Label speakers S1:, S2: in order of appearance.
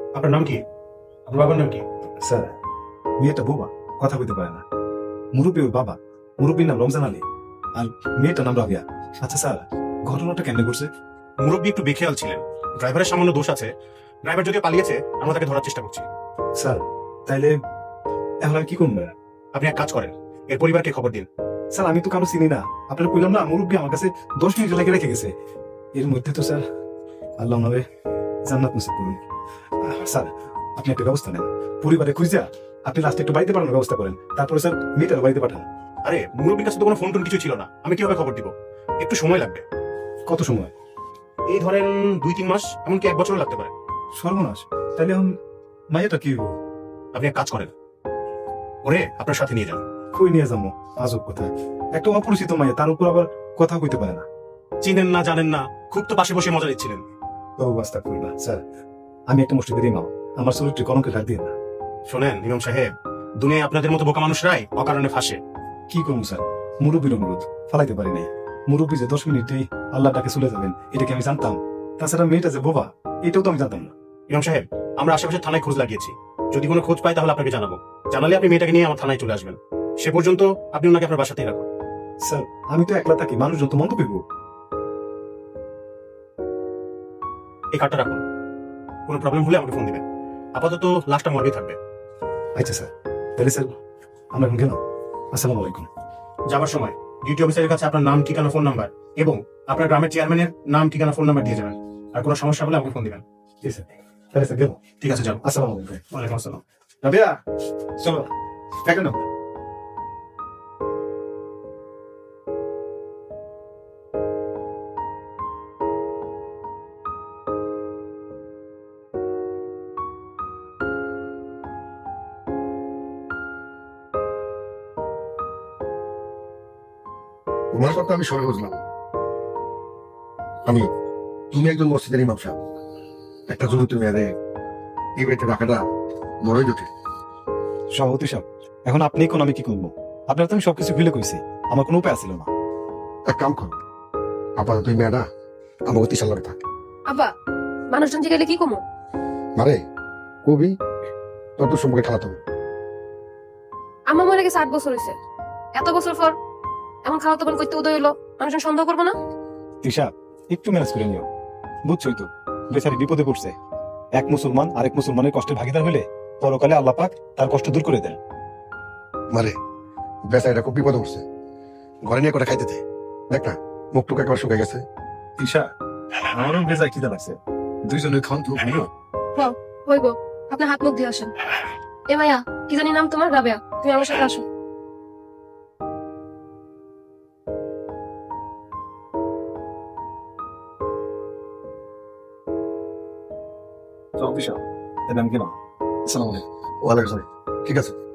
S1: আপনার নাম কি? আপনার বাবার নাম কি?
S2: স্যার, মেয়েটা বোবা, কথা বলতে পারে না। মুরব্বী ওর বাবা, মুরব্বীর নাম রমজান আলী, আর মেয়েটার নাম রাবিয়া। আচ্ছা স্যার, ঘটনাটা কেমনে করছে?
S1: মুরব্বী একটু বেখেয়াল ছিলেন, ড্রাইভারের সামান্য দোষ আছে। ড্রাইভার যদিও পালিয়েছে, আমরা তাকে ধরার চেষ্টা করছি।
S2: স্যার, তাইলে এখন আমি কি করবো?
S1: আপনি এক কাজ করেন, এর পরিবারকে খবর দিন।
S2: স্যার, আমি তো কারো চিনি না। আপনারা কইলাম না, মুরব্বী আমার কাছে 10 মিনিট লেগে রেখে গেছে। এর মধ্যে তো স্যার আল্লাহ ওনারে জান্নাত নসিব করুন। স্যার, আপনি একটা ব্যবস্থা নেন, পরিবারে খুঁজা আপনি লাস্টে একটু বাড়িতে পাঠানোর ব্যবস্থা করেন। তারপরে স্যার মেয়েটার বাড়িতে পাঠান।
S1: আরে মুরব্বীর কাছে তো কোনো ফোন টোন কিছু ছিল না, আমি কিভাবে খবর দিব? একটু সময় লাগবে।
S2: কত সময়?
S1: এই ধরেন 2-3 মাস, এমনকি 1 বছরও লাগতে পারে।
S2: সর্বনাশ! তাইলে এখন মাইয়াটা কি হইব?
S1: আপনি এক কাজ করেন, ওরে আপনার সাথে নিয়ে যান।
S2: কই নিয়ে যাবো? আজব কথা, একটা অপরিচিত মাইয়া, তার উপর আবার কথা কইতে পারে না।
S1: চিনেন না, জানেন না, খুব তো পাশে বসে মজা নিচ্ছিলেন।
S2: অবস্থা করবা স্যার, আমি একটা মুষ্টিদের ইমাম, আমার চরিত্রে কলঙ্কে ডাক দিয়ে না।
S1: শোনেন ইমাম সাহেব, দুনিয়ায় আপনাদের মতো বোকা মানুষরাই অকারণে ফাঁসে।
S2: কি করুন স্যার, মুরব্বীর অনুরোধ ফালাইতে পারি নাই। মুরব্বী যে 10 মিনিটেই আল্লাহ ডাকে চলে যাবেন, এটা কি আমি জানতাম? তাছাড়া মেয়েটা যে বোবা, এটাও তো আমি জানতাম না।
S1: ইমাম সাহেব, আমরা আশেপাশে থানায় খোঁজ লাগিয়েছি, যদি কোনো খোঁজ পাই তাহলে আপনাকে জানাবো। জানালে আপনি মেয়েটাকে নিয়ে আমার থানায় চলে আসবেন। সে পর্যন্ত আপনি ওনাকে আপনার বাসাতেই রাখুন।
S2: স্যার, আমি তো একলা থাকি, মানুষ যত মন্দ পেব।
S1: এই কার্ডটা রাখুন, কোনো প্রবলেম হলে আমাকে ফোন দিবেন। আপাতত লাস্টটা মর্গে থাকবে।
S2: আচ্ছা স্যার, তাহলে স্যার আমরা এখন গেলাম। আসসালামু আলাইকুম।
S1: যাবার সময় ডিউটি অফিসারের কাছে আপনার নাম, ঠিকানা, ফোন নাম্বার এবং আপনার গ্রামের চেয়ারম্যানের নাম, ঠিকানা, ফোন নাম্বার দিয়ে যাবেন। আর কোনো সমস্যা হলে আমাকে ফোন দিবেন।
S2: ঠিক আছে, তাহলে স্যার গেলাম।
S1: ঠিক আছে, যাও।
S2: আসসালামু আলাইকুম।
S1: ওয়ালাইকুম আসসালাম।
S2: রাবিয়া, চলো একটা নাও।
S3: তোমার কথা আমি সবাই বুঝলাম। তুমি একজন মসজিদের ইমাম সাহেব, একটা জরুরি মেয়াদে এই বাড়িতে রাখাটা বড়ই জটিল।
S2: সভাপতি সাহেব, এখন আপনি কোন, আমি কি করবো? আপনার তো আমি সবকিছু ভুলে কইছি, আমার কোনো উপায় ছিল না।
S3: এক কাম করো, আপাতত এই মেয়েটা আমার অতি সাল্লারে থাক।
S4: আব্বা, মানুষজন জিগাইলে কি কমো?
S3: মারে কবি তোর তো সম্পর্কে খেলাতে হবে।
S4: আমার মনে গেছে 8 বছর হয়েছে, এত বছর পর এমন খাওয়া তখন করতে উদয় হলো, মানুষজন সন্দেহ করবো না?
S2: তিশা, একটু ম্যানেজ করে নিও। বুঝছই তো, বেচারি বিপদে পড়ছে। এক মুসলমান আরেক মুসলমানের কষ্টের ভাগিদার হলে পরকালে আল্লাহ পাক তার কষ্ট দূর করে দেন।
S3: মারে বেচারিটা খুব বিপদে উঠছে, ঘরে নিয়ে করে খাইতে দে। দেখ না, মুখ টুক একবার শুকাই গেছে।
S2: তিশা, আমারও বেজায় খিদা লাগছে, দুইজনের খান তো ভালো।
S4: হইব, আপনার হাত মুখ দিয়ে আসেন। এ মাইয়া, কি জানি নাম তোমার? রাবেয়া, তুমি আমার সাথে আসো।
S2: সভাপতি সাহেব, তাহলে আমি গেলাম। আসসালামু আলাইকুম।
S3: ওয়ালাইকুম আসসালাম। ঠিক আছে।